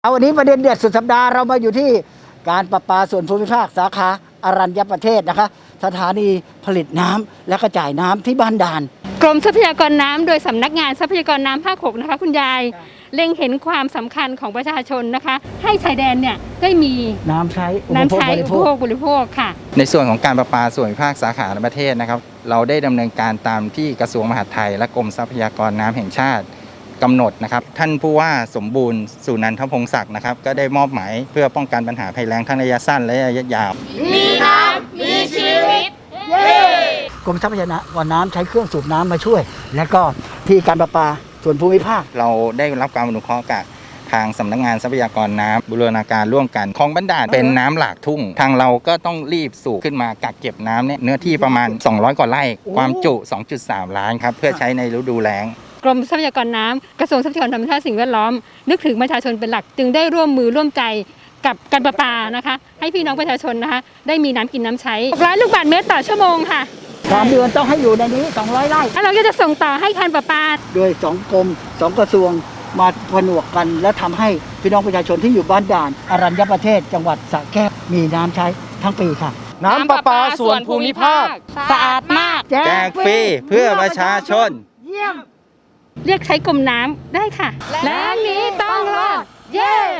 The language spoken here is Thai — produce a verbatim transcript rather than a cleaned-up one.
เอาวันนี้ประเด็นเด็ดสุดสัปดาห์เรามาอยู่ที่การประปาส่วนภูมิภาคสาขาอรัญญประเทศนะคะสถานีผลิตน้ำและกระจายน้ำที่บ้านด่านกรมทรัพยากรน้ำโดยสำนักงานทรัพยากรน้ำภาคหกนะคะคุณยายเล็งเห็นความสำคัญของประชาชนนะคะให้ชายแดนเนี่ยได้มีน้ำใช้น้ำใช้อุปโภคบริโภคค่ะในส่วนของการประปาส่วนภูมิภาคสาขาประเทศนะครับเราได้ดำเนินการตามที่กระทรวงมหาดไทยและกรมทรัพยากรน้ำแห่งชาติกำหนดนะครับท่านผู้ว่าสมบูรณ์สุนันทพงศักดิ์นะครับก็ได้มอบหมายเพื่อป้องกันปัญหาภัยแล้งทั้งระยะสั้นและระยะยาวมีน้ำมีชีวิตกรมทรัพยากรน้ำใช้เครื่องสูบน้ำมาช่วย และก็ที่การประปาส่วนภูมิภาคเราได้รับการอนุเคราะห์จากทางสำนักงานทรัพยากรน้ำบูรณาการร่วมกันคลองบ้านด่านเป็นน้ำหลากทุ่งทางเราก็ต้องรีบสูบขึ้นมากักเก็บน้ำเนี่ยเนื้อที่ประมาณสองร้อยกว่าไร่ความจุ สองจุดสาม ล้านครับเพื่อใช้ในฤดูแล้งกรมทรัพยากรน้ำกระทรวงทรัพยากรธรรมชาติสิ่งแวดล้อมนึกถึงประชาชนเป็นหลักจึงได้ร่วมมือร่วมใจกับการประปานะคะให้พี่น้องประชาชนนะคะได้มีน้ำกินน้ำใช้หกร้อยลูกบาศก์เมตรต่อชั่วโมงค่ะสามเดือนต้องให้อยู่ในนี้สองร้อยไร่แล้วเราก็จะส่งต่อให้การประปาโดยสองกรมสองกระทรวงมาผนวกกันและทำให้พี่น้องประชาชนที่อยู่บ้านด่านอรัญญประเทศจังหวัดสระแก้วมีน้ำใช้ทั้งปีค่ะน้ำประปาส่วนภูมิภาคสะอาดมากแจกฟรีเพื่อประชาชนเยี่ยมเรียกใช้กรมน้ำได้ค่ะแล้งนี้ต้องรอดเย้